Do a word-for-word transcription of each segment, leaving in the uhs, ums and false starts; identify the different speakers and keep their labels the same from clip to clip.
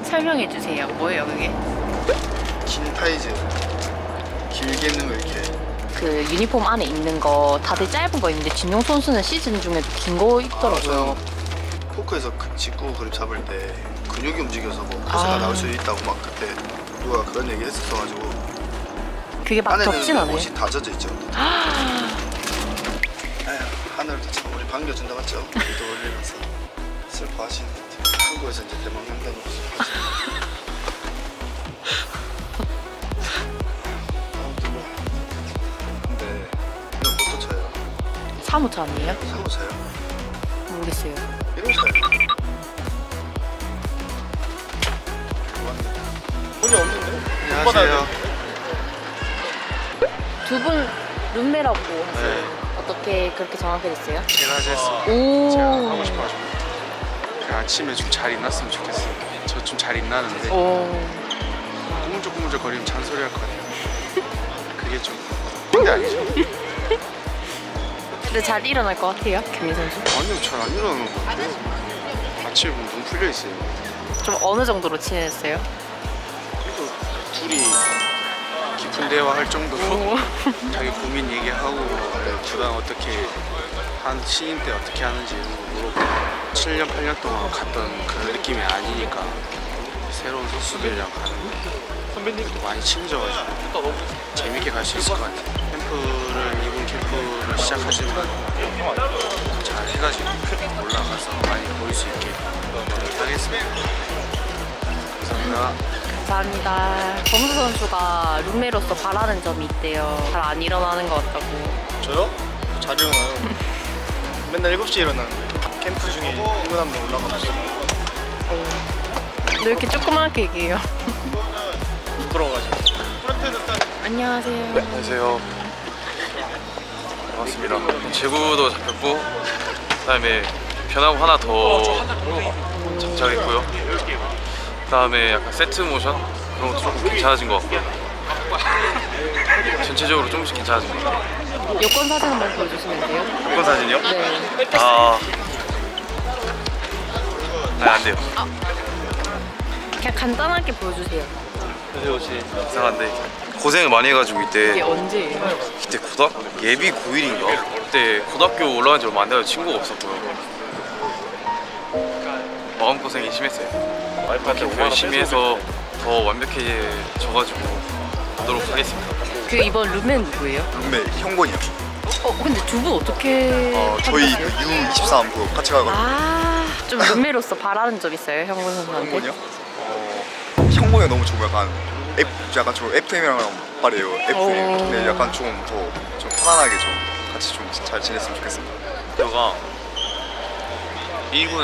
Speaker 1: 설명해 주세요. 뭐예요 그게?
Speaker 2: 긴 타이즈 길게 입는 거 이렇게.
Speaker 1: 그 유니폼 안에 입는 거 다들 짧은 거 입는데 진용 선수는 시즌 중에도 긴 거 입더라고요.
Speaker 2: 아, 포크에서 그 직구 그립 잡을 때 근육이 움직여서 뭐 코스가
Speaker 1: 아.
Speaker 2: 나올 수 있다고 막 그때 누가 그런 얘기 했었어가지고.
Speaker 1: 그게 막 덥진
Speaker 2: 안에는
Speaker 1: 않아요.
Speaker 2: 옷이 다 젖어 있죠. 에휴, 하늘도 참 우리 반겨준다 맞죠? 위도 올리면서 슬퍼하시는 것 같아요. 한국에서 이제 대망한다는 거 슬퍼하시는 것 같아요. 아무튼 뭐 근데 이건 못 쫓아요.
Speaker 1: 사무차 아니에요?
Speaker 2: 사고차요?
Speaker 1: 모르겠어요.
Speaker 2: 이런 차요? 돈이 없는데? 안녕하세요.
Speaker 1: 두 분 룸메라고 하세요.
Speaker 2: 네.
Speaker 1: 어떻게 그렇게 정하게 됐어요?
Speaker 3: 제가 했어요.
Speaker 1: 오.
Speaker 3: 제가 하고 싶어가지고 그 아침에 좀 잘 일어났으면 좋겠어요. 저 좀 잘 일어나는데
Speaker 1: 오.
Speaker 3: 꾸물쩍꾸물쩍 거리면 잔소리 할 거 아니에요. 그게 좀 근데 아니죠.
Speaker 1: 근데 잘 일어날 것 같아요, 김민 선수.
Speaker 3: 아니요, 잘 안 일어나는 것 같아요. 아침에 보면 눈 풀려 있어요.
Speaker 1: 좀 어느 정도로 친해졌어요?
Speaker 3: 그래도 둘이 깊은 대화할 정도로 자기 고민 얘기하고 구단 어떻게 한 신인 때 어떻게 하는지 물어보고 칠 년, 팔 년 동안 갔던 그런 느낌이 아니니까 새로운 선수들이랑 가는 선배님도 많이 친해져가지고 재밌게 갈 수 있을 것 같아요. 캠프를 이번 캠프를 시작하지만 잘 해가지고 올라가서 많이 보일 수 있게 노력하겠습니다. 감사합니다.
Speaker 1: 감사합니다. 범수 선수가 룸메로서 바라는 점이 있대요. 잘 안 일어나는 것 같다고.
Speaker 2: 저요? 잘 일어나요. 맨날 일곱 시에 일어나는데 캠프 중에 일곱 한 명 올라가면서
Speaker 1: 너 이렇게 조그맣게 얘기해요.
Speaker 2: 부끄러워가지고.
Speaker 1: 안녕하세요.
Speaker 4: 안녕하세요. 반갑습니다. 제구도 잡혔고 그다음에 변화구 하나 더 장착했고요. 그다음에 약간 세트 모션 그런 것도 조금 괜찮아진 것 같고 전체적으로 조금씩 괜찮아진 것 같아요.
Speaker 1: 여권 사진 한번 보여주시면 돼요?
Speaker 4: 여권 사진이요?
Speaker 1: 네.
Speaker 4: 아, 아, 안 돼요.
Speaker 1: 그냥 간단하게 보여주세요.
Speaker 4: 이상한데 고생을 많이 해가지고
Speaker 1: 이게
Speaker 4: 이때
Speaker 1: 언제예요?
Speaker 4: 그때 고등학교 예비 고일인가? 그때 고등학교 올라간 지 얼마 안 돼서 친구가 없었고요. 마음고생이 심했어요. 캠프 열심히 해서 더 완벽해져가지고 하도록 하겠습니다.
Speaker 1: 그 이번 룸메는 누구예요?
Speaker 2: 룸메 형곤이요.
Speaker 1: 어 근데 두 분 어떻게?
Speaker 2: 어, 저희 그
Speaker 1: 하셨어요?
Speaker 2: 유 이십삼 그 같이 가거든요.
Speaker 1: 아, 좀 룸메로서 바라는 점 있어요, 형군 선수한테?
Speaker 2: 형곤이요? 어, 형곤이 너무 좀 약간 F, 약간 좀 에프엠이랑 말이에요. 에프엠.
Speaker 1: 오.
Speaker 2: 근데 약간 좀 더 좀 편안하게 좀 같이 좀 잘 지냈으면 좋겠습니다.
Speaker 5: 저가 일 군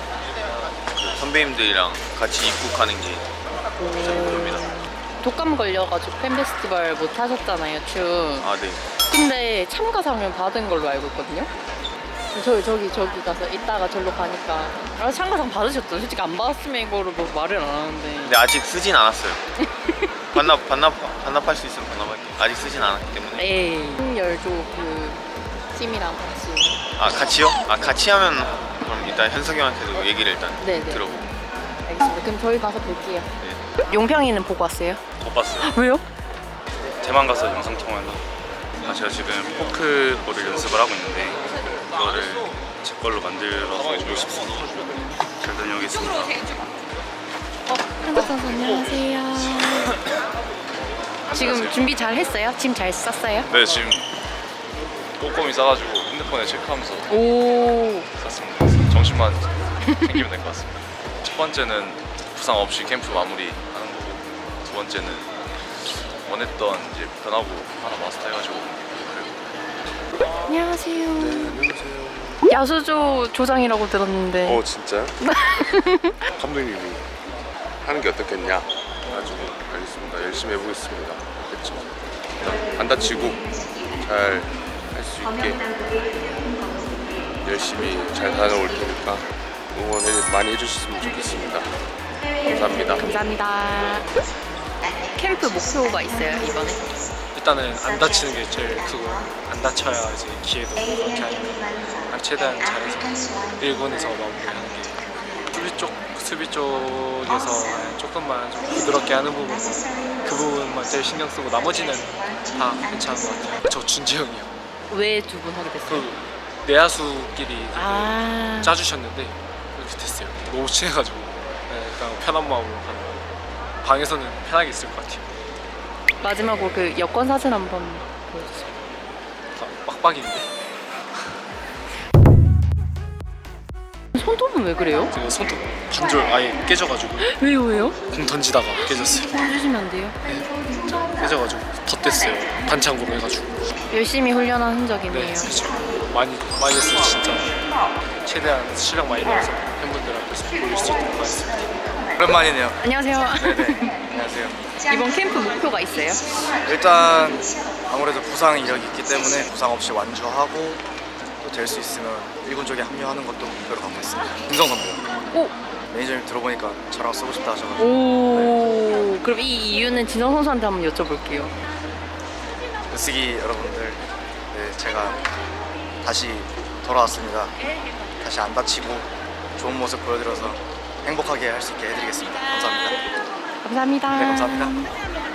Speaker 5: 선배님들이랑 같이 입국하는 게 진짜 목표입니다.
Speaker 1: 독감 걸려가지고 팬 페스티벌 못 하셨잖아요, 춤.
Speaker 5: 아, 네.
Speaker 1: 근데 참가상을 받은 걸로 알고 있거든요. 저기 저기 저기 가서 이따가 절로 가니까 아, 참가상 받으셨죠? 솔직히 안 받았으면 이거를 뭐 말을 안 하는데.
Speaker 5: 근데 아직 쓰진 않았어요. 반납, 반납, 반납할 수 있으면 반납할게요. 아직 쓰진 않았기 때문에.
Speaker 1: 에이. 열조 그 팀이랑 같이.
Speaker 5: 아, 같이요? 아, 같이 하면 그럼 일단 현석이 형한테도 얘기를 일단
Speaker 1: 네네.
Speaker 5: 들어보고.
Speaker 1: 알겠습니다. 그럼 저희 가서 뵐게요.
Speaker 5: 네.
Speaker 1: 용평이는 보고 왔어요?
Speaker 4: 못 봤어요.
Speaker 1: 왜요?
Speaker 4: 대만 가서 영상 통화해서 아, 제가 지금 포크 볼을 연습을 하고 있는데 그거를 제 걸로 만들어서 주고 싶습니다. 잘 다녀오겠습니다.
Speaker 1: 어, 한국 선수 안녕하세요. 지금 준비 잘 했어요? 짐 잘 쌌어요?
Speaker 4: 네, 지금 꼼꼼히 싸가지고 핸드폰에 체크하면서
Speaker 1: 오.
Speaker 4: 쌌습니다. 정신만 챙기면 될 것 같습니다. 첫 번째는 부상 없이 캠프 마무리하는 거고 두 번째는 원했던 이제 변화구 하나 마스터해가지고 그리고
Speaker 1: 안녕하세요.
Speaker 2: 안녕하세요.
Speaker 1: 야수조 조장이라고 들었는데.
Speaker 6: 어 진짜요? 감독님이 하는 게 어떻겠냐 가지고 알겠습니다. 열심히 해보겠습니다. 그렇죠. 안 다치고 잘 할 수 있게 열심히 잘 다녀올 테니까 응원 많이 해주셨으면 좋겠습니다. 감사합니다.
Speaker 1: 감사합니다. 캠프 목표가 있어요 이번에?
Speaker 3: 일단은 안 다치는 게 제일 크고 안 다쳐야 이제 기회도 그렇게 하니까 최대한 잘해서 일 군에서 마무리하는 게 수비 쪽 수비 쪽에서 조금만 좀 부드럽게 하는 부분 그 부분만 제일 신경 쓰고 나머지는 다 괜찮은 것 같아요. 저 준지 형이요.
Speaker 1: 왜 두 분 하게 됐어요?
Speaker 3: 그 내야수끼리 되게
Speaker 1: 아.
Speaker 3: 짜주셨는데 이렇게 됐어요. 너무 친해가지고 네, 그냥 편한 마음으로 가는 거. 방에서는 편하게 있을 것 같아요.
Speaker 1: 마지막으로 그 여권 사진 한번 보여주세요.
Speaker 3: 다 빡빡인데
Speaker 1: 손톱은 왜 그래요?
Speaker 3: 그 손톱 반절 아예 깨져가지고
Speaker 1: 왜요 왜요?
Speaker 3: 공 던지다가 깨졌어요.
Speaker 1: 해주시면 안 돼요?
Speaker 3: 깨져가지고 덧댔어요. 반창고로 해가지고.
Speaker 1: 열심히 훈련한
Speaker 3: 네,
Speaker 1: 흔적이네요.
Speaker 3: 그렇죠. 많이 많이 했어요 진짜. 최대한 실력 많이 넣어서 팬분들 앞에서 보일 수 있도록 하겠습니다.
Speaker 7: 오랜만이네요.
Speaker 1: 안녕하세요.
Speaker 7: 안녕하세요.
Speaker 1: 이번 캠프 목표가 있어요?
Speaker 7: 일단 아무래도 부상 이력이 있기 때문에 부상 없이 완주하고 또 될 수 있으면 일군 쪽에 합류하는 것도 목표로 갖고 있습니다. 김성 선배요.
Speaker 1: 오!
Speaker 7: 매니저님 들어보니까 저랑 쓰고 싶다 하셔가지고
Speaker 1: 오. 그럼 이 이유는 진성 선수한테 한번 여쭤볼게요.
Speaker 7: 으쓰기 여러분들, 네, 제가 다시 돌아왔습니다. 다시 안 다치고 좋은 모습 보여드려서 행복하게 할 수 있게 해드리겠습니다. 감사합니다.
Speaker 1: 감사합니다.
Speaker 7: 네, 감사합니다.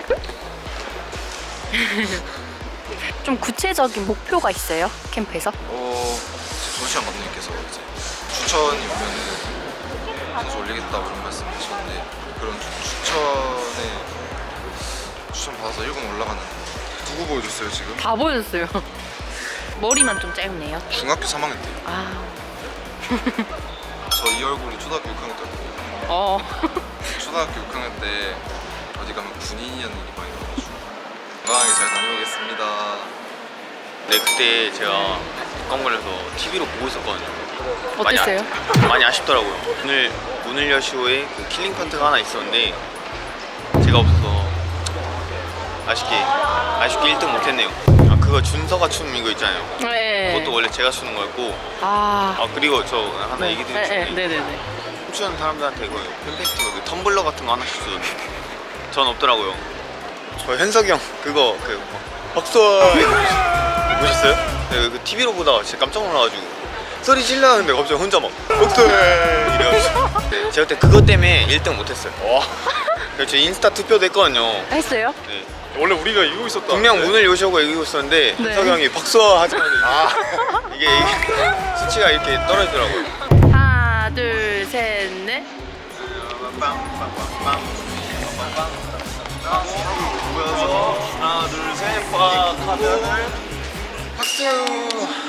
Speaker 1: 좀 구체적인 목표가 있어요? 캠프에서?
Speaker 8: 어, 조시안 감독님께서 이제 추천이 오면은 선수 올리겠다고 이런 말씀 하셨는데 그런 추- 추천에 추천 받아서 일 군 올라가는 누구 보여줬어요 지금?
Speaker 1: 다 보여줬어요. 머리만 좀 짧네요.
Speaker 8: 중학교 삼 학년 때요.
Speaker 1: 아.
Speaker 8: 저 이 얼굴이 초등학교 육 학년 때였거든요.
Speaker 1: 어.
Speaker 8: 초등학교 육 학년 때 어디 가면 군인이라는 일이 많이 나와가지고 건강하게 잘 다녀오겠습니다.
Speaker 5: 네, 그때 제가 건물에서 티비로 보고 있었거든요. 많이
Speaker 1: 어땠어요?
Speaker 5: 아, 많이 아쉽더라고요. 오늘 오늘 여쇼에 그 킬링 판트가 하나 있었는데 제가 없어서 아쉽게 아쉽게 일 등 못했네요. 아, 그거 준서가 추는 이거 있잖아요.
Speaker 1: 네.
Speaker 5: 그것도 원래 제가 추는 거였고.
Speaker 1: 아.
Speaker 5: 아, 그리고 저 하나 얘기 드리고
Speaker 1: 네, 네,
Speaker 5: 싶은데
Speaker 1: 네, 네.
Speaker 5: 춤추는 사람들한테 그 팬페스티벌 그 텀블러 같은 거 하나씩 주거든요. 전 없더라고요. 저 현석이 형 그거 그 박수 보셨어요? 네, 그 티비로 보다가 진짜 깜짝 놀라가지고 소리 질러는데 갑자기 혼자 막 박수 이래가지고 네, 제가 그때 그것 때문에 일 등 못했어요. 그래서 저 인스타 투표도 했거든요.
Speaker 1: 했어요?
Speaker 5: 네.
Speaker 3: 원래 우리가 이기고 있었다.
Speaker 5: 분명 문을 요시오고 이기고 있었는데
Speaker 1: 네.
Speaker 5: 현석이 형이 박수 하자마자 이게, 이게, 이게 수치가 이렇게 떨어지더라고요.
Speaker 1: 하나, 둘, 셋, 넷.
Speaker 5: 모여서 하나 둘 셋 꽉 하면은 박수.